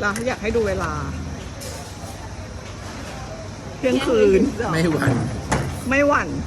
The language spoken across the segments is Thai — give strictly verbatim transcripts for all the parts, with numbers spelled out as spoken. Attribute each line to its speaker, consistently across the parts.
Speaker 1: เราอยากให้ดูเวลาเที่ยงคืน
Speaker 2: ไม่หวั่น
Speaker 1: ไม่หวั่น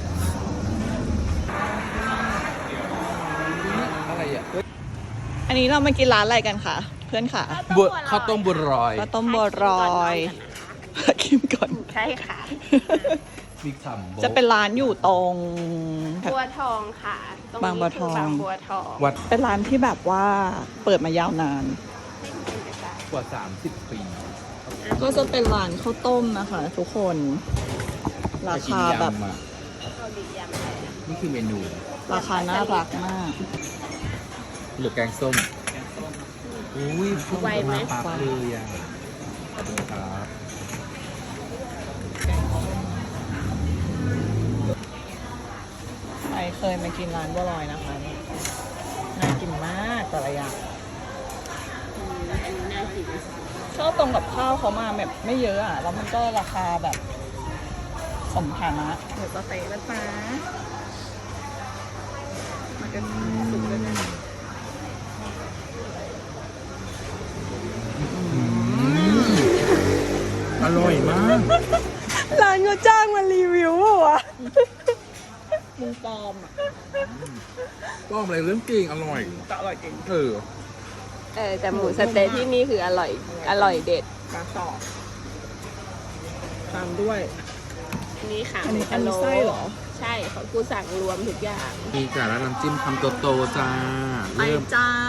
Speaker 2: อะไรอ่ะ
Speaker 1: อันนี้เรามากินร้านอะไรกันคะเพื่อนค่ะ
Speaker 2: บัวข้าวต้มบัวลอย
Speaker 1: ข้าวต้มบัวรอยคิมก่อน
Speaker 3: ใช่ค่ะ
Speaker 2: บิ๊กซัม
Speaker 1: จะเป็นร้านอยู่ตรง
Speaker 3: บัวทองค่ะตรงนี้
Speaker 1: บางบัวทอง
Speaker 3: คืบางบัวทอง
Speaker 2: วัด
Speaker 1: เป็นร้านที่แบบว่าเปิดมายาวนาน
Speaker 2: กว่าสามสิบปี
Speaker 1: ก็จะเป็นร้านข้าวต้มนะคะ ทุกคนราคาแบบ
Speaker 2: จะกินยำอะ
Speaker 3: เกาหลียำอะไรนะ
Speaker 2: นี่คือเมนู
Speaker 1: ราคาน่ารักมาก
Speaker 2: หรือแกงส้มอุ้ยพุ่งมาปากเลยอ่ะขอบคุณครับ
Speaker 1: ใครเคยมากินร้านบัวลอยนะคะน่ากินมากแต่ละอย่าง
Speaker 3: อืมอันนี้น่ากิน
Speaker 1: ชอบตรงกับข้าวเขามาแบบไม่เยอะอ่ะ แล้วมันก็ราคาแบบสมฐานะเดี๋ยวจะเตะแล้วนะมากันสุกด้วยนะ
Speaker 2: อร่อยมาก
Speaker 1: ร้านเขาจ้างมารีวิวอ่ะมึงปลอมอ่ะ
Speaker 2: ป้อมอะไรเรื่องจริงอร่อย
Speaker 1: แต่อร่อยจริง
Speaker 2: เออ
Speaker 3: เออแต่หมูสะเต๊ะที่นี่คืออร่อย อร่อยเด็ด
Speaker 1: ปลาต่อตามด้วย
Speaker 3: อันนี้ค่ะ
Speaker 1: อันนี้
Speaker 3: หมู
Speaker 1: อันนี้ไส้เหรอ
Speaker 3: ใช่ของกูสั่งรวมทุกอย่าง
Speaker 2: มีจานแล้วน้ำจิ้มคำโตๆจ้า
Speaker 1: ไป
Speaker 2: เริ่ม
Speaker 1: จ้า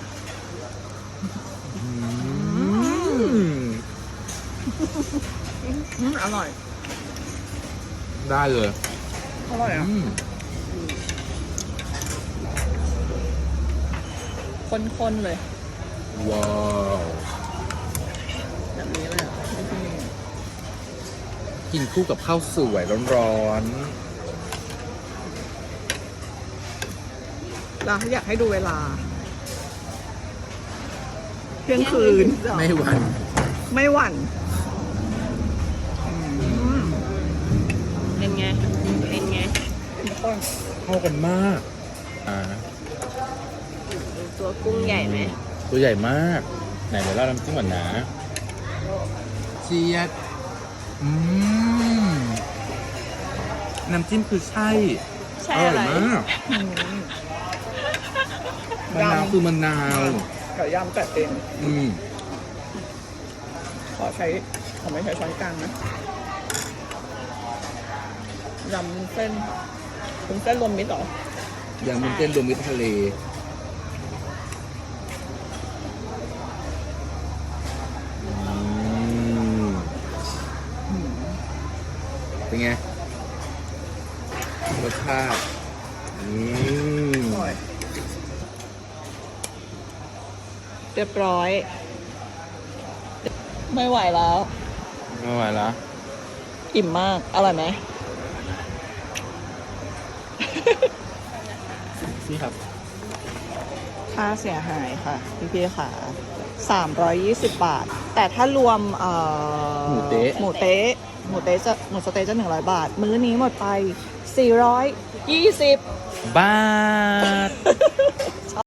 Speaker 2: อืม
Speaker 1: อืมอร่อย
Speaker 2: ได้เลย
Speaker 1: อร่อยอ่ะ
Speaker 2: อืม
Speaker 1: ข้นๆเลย
Speaker 2: ว้าว
Speaker 1: แบบนี้เลยอ่ะ
Speaker 2: กินคู่กับข้าวสวยร้อน
Speaker 1: เราอยากให้ดูเวลาเที่ยงคืน
Speaker 2: ๆไม่หวั่น
Speaker 1: ไม่หวั่น
Speaker 3: เป็นไง เป็นไง
Speaker 2: เข้ากันมาก อ่า
Speaker 3: ตัวกุ้งใหญ่ไหม
Speaker 2: ตัวใหญ่มาก ไหนเดี๋ยวเราน้ำจิ้มก่อนนะเชียดอืมน้ำจิ้มคือใช่
Speaker 3: ใช่
Speaker 2: อ
Speaker 3: อะไร
Speaker 2: ร่อยมากมะนาวคือมะนาว
Speaker 1: ไก่ย่างแต่เอง
Speaker 2: อืม
Speaker 1: ขอใช้ขอไม่ใช้ช้อนกลางนะยำวุ้นเส้นวุ้นเส้นรวมมิตรเหรอ
Speaker 2: อย่างมันเต้นรวมมิตรทะเลอืมเป็นไง รสชาติอืม
Speaker 1: อร่อย เรียบร้อย ไม่ไหวแล้ว
Speaker 2: ไม่ไหวแล้ว
Speaker 1: อิ่มมาก อร่อยไหม
Speaker 2: นี่ครับ
Speaker 1: ค่าเสียหายค่ะ พี่พี่ๆค่ะสามร้อยยี่สิบบาท แต่ถ้ารวมเอ่อ
Speaker 2: หมูเต๊ะ
Speaker 1: หมูเต๊ะหมูเต๊ะจะหมูสะเต๊ะจะหนึ่งร้อยบาท มื้อนี้หมดไปสี่ร้อยยี่สิบ
Speaker 2: บาท